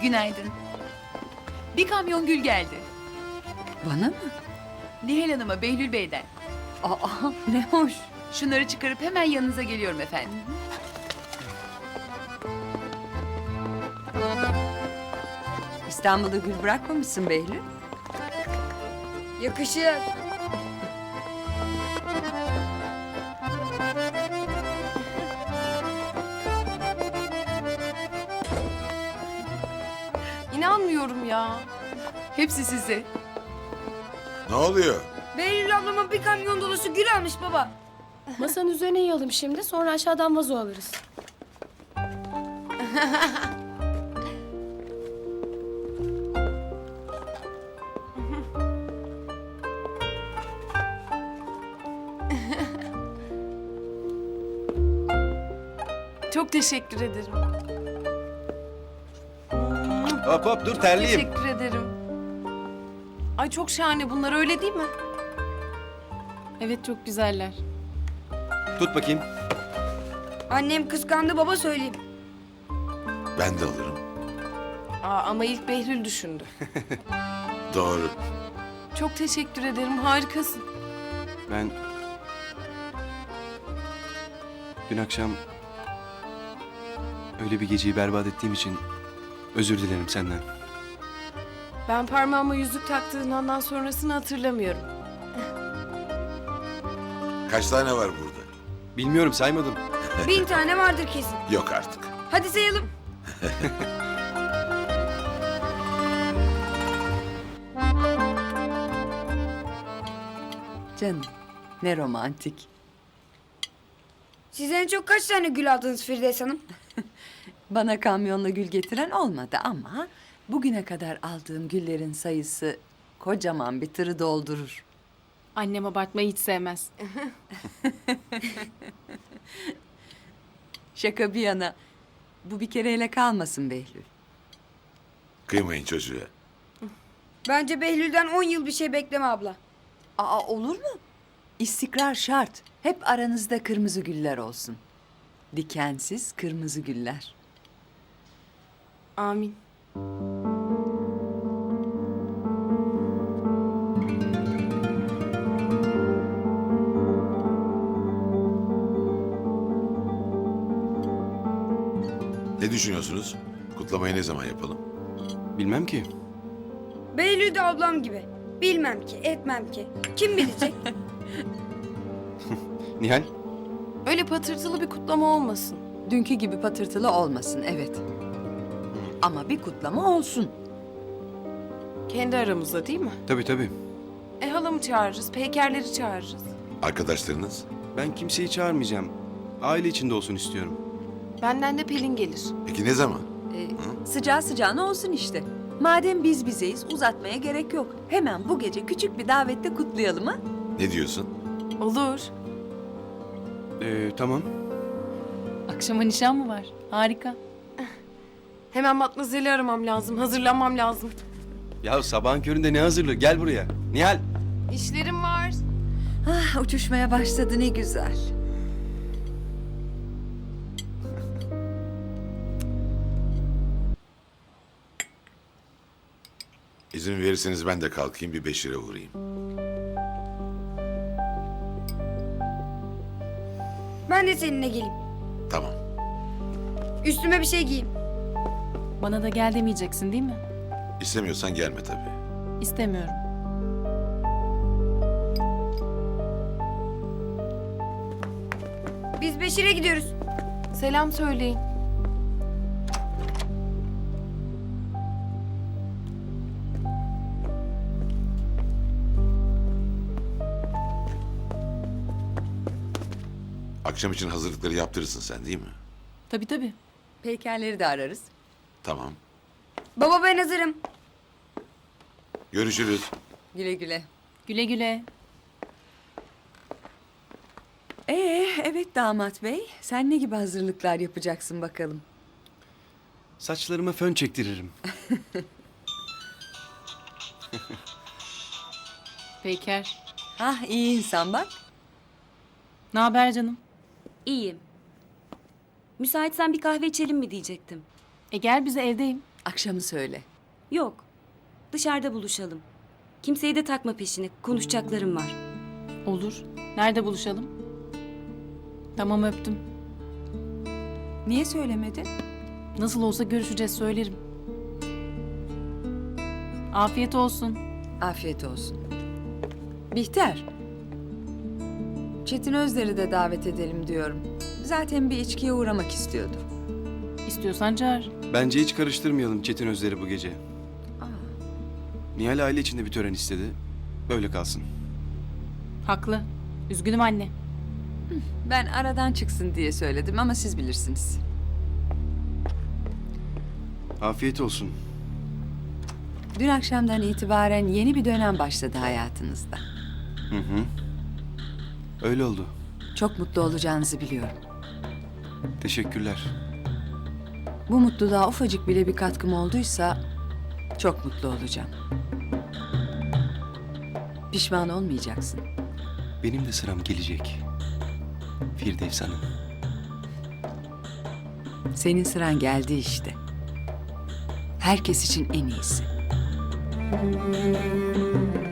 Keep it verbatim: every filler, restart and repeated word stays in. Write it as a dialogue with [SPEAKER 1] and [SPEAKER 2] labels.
[SPEAKER 1] Günaydın. Bir kamyon gül geldi.
[SPEAKER 2] Bana mı?
[SPEAKER 1] Nihal Hanım'a Behlül Bey'den.
[SPEAKER 2] Aa, ne hoş.
[SPEAKER 1] Şunları çıkarıp hemen yanınıza geliyorum efendim.
[SPEAKER 2] İstanbul'da gül bırakmamışsın Behlül.
[SPEAKER 3] Yakışır.
[SPEAKER 4] İnanmıyorum ya.
[SPEAKER 1] Hepsi size.
[SPEAKER 5] Ne oluyor?
[SPEAKER 3] Behlül ablama bir kamyon dolusu gül almış baba.
[SPEAKER 4] Masanın üzerine yayalım şimdi, sonra aşağıdan vazo alırız. Çok teşekkür ederim.
[SPEAKER 6] Hop hop dur terliyim.
[SPEAKER 4] Teşekkür ederim. Ay çok şahane bunlar, öyle değil mi? Evet, çok güzeller.
[SPEAKER 6] Tut bakayım.
[SPEAKER 3] Annem kıskandı baba söyleyeyim.
[SPEAKER 5] Ben de alırım.
[SPEAKER 4] Aa, ama ilk Behlül düşündü.
[SPEAKER 5] Doğru.
[SPEAKER 4] Çok teşekkür ederim, harikasın.
[SPEAKER 6] Ben... Dün akşam... Öyle bir geceyi berbat ettiğim için... Özür dilerim senden.
[SPEAKER 4] Ben parmağıma yüzük taktığın andan sonrasını hatırlamıyorum.
[SPEAKER 5] Kaç tane var burada?
[SPEAKER 6] Bilmiyorum saymadım.
[SPEAKER 3] Bin tane vardır kesin.
[SPEAKER 5] Yok artık.
[SPEAKER 3] Hadi sayalım.
[SPEAKER 2] Canım, ne romantik.
[SPEAKER 3] Siz en çok kaç tane gül aldınız Firdevs Hanım?
[SPEAKER 2] Bana kamyonla gül getiren olmadı ama... ...bugüne kadar aldığım güllerin sayısı... ...kocaman bir tırı doldurur.
[SPEAKER 4] Annem abartmayı hiç sevmez.
[SPEAKER 2] Şaka bir yana... ...bu bir kereyle kalmasın Behlül.
[SPEAKER 5] Kıymayın çocuğa.
[SPEAKER 3] Bence Behlül'den on yıl bir şey bekleme abla.
[SPEAKER 2] Aa, olur mu? İstikrar şart. Hep aranızda kırmızı güller olsun. Dikensiz kırmızı güller.
[SPEAKER 4] Amin.
[SPEAKER 5] Ne düşünüyorsunuz? Kutlamayı ne zaman yapalım?
[SPEAKER 6] Bilmem ki.
[SPEAKER 3] Behlül de ablam gibi. Bilmem ki, etmem ki. Kim bilecek?
[SPEAKER 6] Nihal,
[SPEAKER 4] Öyle patırtılı bir kutlama olmasın.
[SPEAKER 2] Dünkü gibi patırtılı olmasın, evet. Ama bir kutlama olsun.
[SPEAKER 4] Kendi aramızda değil mi?
[SPEAKER 6] tabii tabii.
[SPEAKER 4] E halamı çağırırız, peykerleri çağırırız.
[SPEAKER 5] Arkadaşlarınız?
[SPEAKER 6] Ben kimseyi çağırmayacağım. Aile içinde olsun istiyorum.
[SPEAKER 4] Benden de Pelin gelir.
[SPEAKER 5] Peki ne zaman?
[SPEAKER 2] Ee, sıcağı sıcağına olsun işte. Madem biz bizeyiz, uzatmaya gerek yok. Hemen bu gece küçük bir davette kutlayalım ha?
[SPEAKER 5] Ne diyorsun?
[SPEAKER 4] Olur.
[SPEAKER 6] Ee, tamam.
[SPEAKER 7] Akşama nişan mı var? Harika.
[SPEAKER 4] Hemen Matmazel'i aramam lazım, hazırlanmam lazım.
[SPEAKER 6] Ya sabahın köründe ne hazırlığı? Gel buraya. Nihal.
[SPEAKER 4] İşlerim var.
[SPEAKER 2] Ah, uçuşmaya başladı, ne güzel.
[SPEAKER 5] İzin verirseniz ben de kalkayım bir Beşir'e uğrayayım.
[SPEAKER 3] Ben de seninle geleyim.
[SPEAKER 5] Tamam.
[SPEAKER 3] Üstüme bir şey giyeyim.
[SPEAKER 7] Bana da gel demeyeceksin değil mi?
[SPEAKER 5] İstemiyorsan gelme tabii.
[SPEAKER 7] İstemiyorum.
[SPEAKER 3] Biz Beşir'e gidiyoruz.
[SPEAKER 4] Selam söyleyin.
[SPEAKER 5] Akşam için hazırlıkları yaptırırsın sen değil mi?
[SPEAKER 7] Tabii tabii.
[SPEAKER 2] Peykerleri de ararız.
[SPEAKER 5] Tamam.
[SPEAKER 3] Baba ben hazırım.
[SPEAKER 5] Görüşürüz.
[SPEAKER 2] Güle güle.
[SPEAKER 7] Güle güle.
[SPEAKER 2] Ee, evet damat bey. Sen ne gibi hazırlıklar yapacaksın bakalım?
[SPEAKER 6] Saçlarıma fön çektiririm.
[SPEAKER 7] Peyker.
[SPEAKER 2] Ah, iyi insan bak.
[SPEAKER 7] Ne haber canım?
[SPEAKER 8] İyiyim. Müsaitsen bir kahve içelim mi diyecektim.
[SPEAKER 7] E gel bize, evdeyim.
[SPEAKER 2] Akşamı söyle.
[SPEAKER 8] Yok. Dışarıda buluşalım. Kimseyi de takma peşine. Konuşacaklarım var.
[SPEAKER 7] Olur. Nerede buluşalım? Tamam öptüm.
[SPEAKER 2] Niye söylemedin?
[SPEAKER 7] Nasıl olsa görüşeceğiz söylerim. Afiyet olsun.
[SPEAKER 2] Afiyet olsun. Bihter. Çetin Özler'i de davet edelim diyorum. Zaten bir içkiye uğramak istiyordu.
[SPEAKER 7] İstiyorsan çağır.
[SPEAKER 6] Bence hiç karıştırmayalım Çetin Özler'i bu gece. Nihal aile içinde bir tören istedi. Böyle kalsın.
[SPEAKER 7] Haklı. Üzgünüm anne.
[SPEAKER 2] Ben aradan çıksın diye söyledim ama siz bilirsiniz.
[SPEAKER 6] Afiyet olsun.
[SPEAKER 2] Dün akşamdan itibaren yeni bir dönem başladı hayatınızda.
[SPEAKER 6] Hı hı. Öyle oldu.
[SPEAKER 2] Çok mutlu olacağınızı biliyorum.
[SPEAKER 6] Teşekkürler.
[SPEAKER 2] Bu mutluluğa ufacık bile bir katkım olduysa çok mutlu olacağım. Pişman olmayacaksın.
[SPEAKER 6] Benim de sıram gelecek. Firdevs Hanım.
[SPEAKER 2] Senin sıran geldi işte. Herkes için en iyisi.